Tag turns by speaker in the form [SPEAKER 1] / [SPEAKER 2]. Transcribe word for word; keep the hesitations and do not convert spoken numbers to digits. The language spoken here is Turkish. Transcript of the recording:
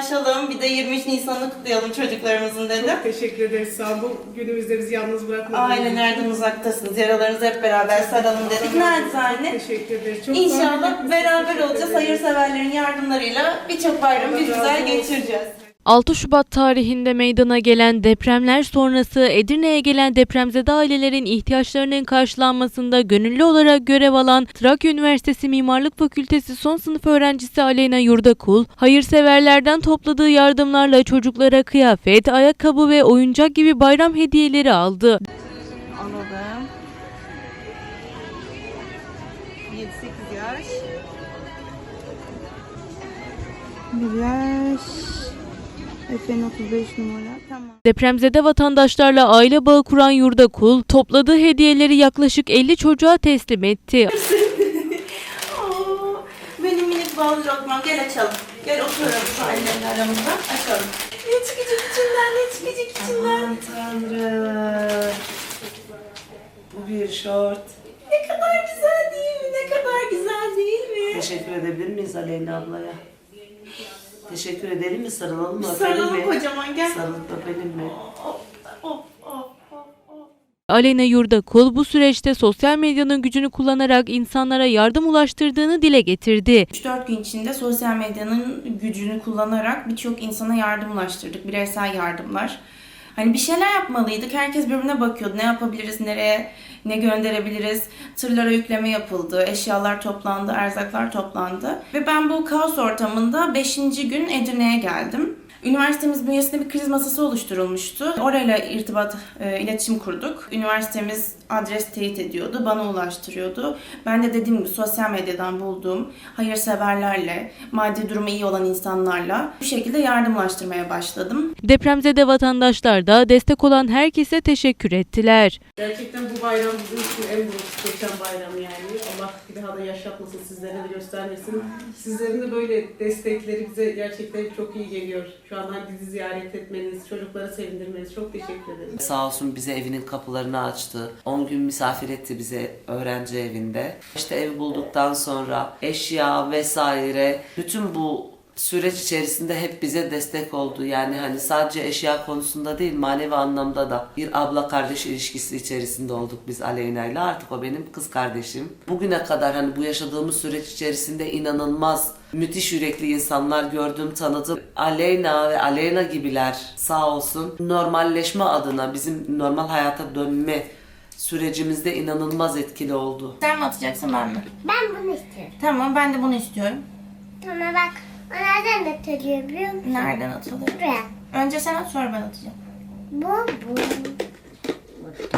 [SPEAKER 1] vedalaşalım. Bir de yirmi üç Nisan'ı kutlayalım çocuklarımızın dedim.
[SPEAKER 2] Çok teşekkür ederiz. Sağ olun. Bu günümüzde bizi yalnız bırakmadınız.
[SPEAKER 1] Aynen, nereden uzaktasınız? Yaralarınızı hep beraber saralım dedik. Nacizane.
[SPEAKER 2] Teşekkür ederiz. Çok
[SPEAKER 1] İnşallah beraber olacağız. Hayırseverlerin yardımlarıyla birçok bayramı bir güzel geçireceğiz.
[SPEAKER 3] altı Şubat tarihinde meydana gelen depremler sonrası Edirne'ye gelen depremzede ailelerin ihtiyaçlarının karşılanmasında gönüllü olarak görev alan Trakya Üniversitesi Mimarlık Fakültesi son sınıf öğrencisi Aleyna Yurdakul, hayırseverlerden topladığı yardımlarla çocuklara kıyafet, ayakkabı ve oyuncak gibi bayram hediyeleri aldı.
[SPEAKER 1] Alalım. yedi sekiz yaş. Bir yaş. Efendim otuz beş numara. Tamam.
[SPEAKER 3] Depremzede vatandaşlarla aile bağı kuran Yurdakul, topladığı hediyeleri yaklaşık elli çocuğa teslim etti.
[SPEAKER 1] Oo, benim minik bağlı lokmam. Gel açalım. Gel oturalım şu annemle aramızda. Açalım. Ne çıkacak içinden, ne çıkacak içinden?
[SPEAKER 4] Aman Tanrım. Bu bir şort.
[SPEAKER 1] Ne kadar güzel değil mi? Ne kadar güzel değil mi?
[SPEAKER 4] Teşekkür edebilir miyiz Aleyna ablaya? Teşekkür edelim mi? Sarılalım mı? Öpelim
[SPEAKER 1] Sarılalım
[SPEAKER 4] mi?
[SPEAKER 1] kocaman, gel.
[SPEAKER 4] Sarılıp öpelim mi?
[SPEAKER 1] Hop, hop, hop, hop, hop.
[SPEAKER 3] Aleyna Yurdakul bu süreçte sosyal medyanın gücünü kullanarak insanlara yardım ulaştırdığını dile getirdi.
[SPEAKER 5] üç dört gün içinde sosyal medyanın gücünü kullanarak birçok insana yardım ulaştırdık. Bireysel yardımlar. Hani bir şeyler yapmalıydık. Herkes birbirine bakıyordu. Ne yapabiliriz, nereye, ne gönderebiliriz. Tırlara yükleme yapıldı, eşyalar toplandı, erzaklar toplandı. Ve ben bu kaos ortamında beşinci gün Edirne'ye geldim. Üniversitemiz bünyesinde bir kriz masası oluşturulmuştu. Orayla irtibat, e, iletişim kurduk. Üniversitemiz adres teyit ediyordu, bana ulaştırıyordu. Ben de dediğim gibi sosyal medyadan bulduğum hayırseverlerle, maddi durumu iyi olan insanlarla bu şekilde yardımlaştırmaya başladım.
[SPEAKER 3] Depremzede vatandaşlar da destek olan herkese teşekkür ettiler.
[SPEAKER 2] Gerçekten bu bayram bizim için en büyük geçen bayram yani. Allah bir daha da yaşatmasın, sizlere de göstermesin. Sizlerin de böyle destekleri bize gerçekten çok iyi geliyor. Şu an bizi ziyaret etmeniz, çocukları sevindirmeniz çok teşekkür ederim.
[SPEAKER 4] Sağ olsun bize evinin kapılarını açtı. on gün misafir etti bize öğrenci evinde. İşte evi bulduktan sonra eşya vesaire bütün bu süreç içerisinde hep bize destek oldu. Yani hani sadece eşya konusunda değil, manevi anlamda da bir abla kardeş ilişkisi içerisinde olduk biz Aleyna'yla. Artık o benim kız kardeşim. Bugüne kadar hani bu yaşadığımız süreç içerisinde inanılmaz müthiş yürekli insanlar gördüm, tanıdım. Aleyna ve Aleyna gibiler sağ olsun normalleşme adına bizim normal hayata dönme sürecimizde inanılmaz etkili oldu.
[SPEAKER 5] Sen mi atacaksın, ben mi?
[SPEAKER 6] Ben bunu istiyorum.
[SPEAKER 5] Tamam, ben de bunu istiyorum.
[SPEAKER 6] Tamam bak. O nereden atılıyor biliyor musun?
[SPEAKER 5] Nereden atılıyor?
[SPEAKER 6] Buraya.
[SPEAKER 5] Önce sen at, sonra ben atacağım.
[SPEAKER 6] Bu bu.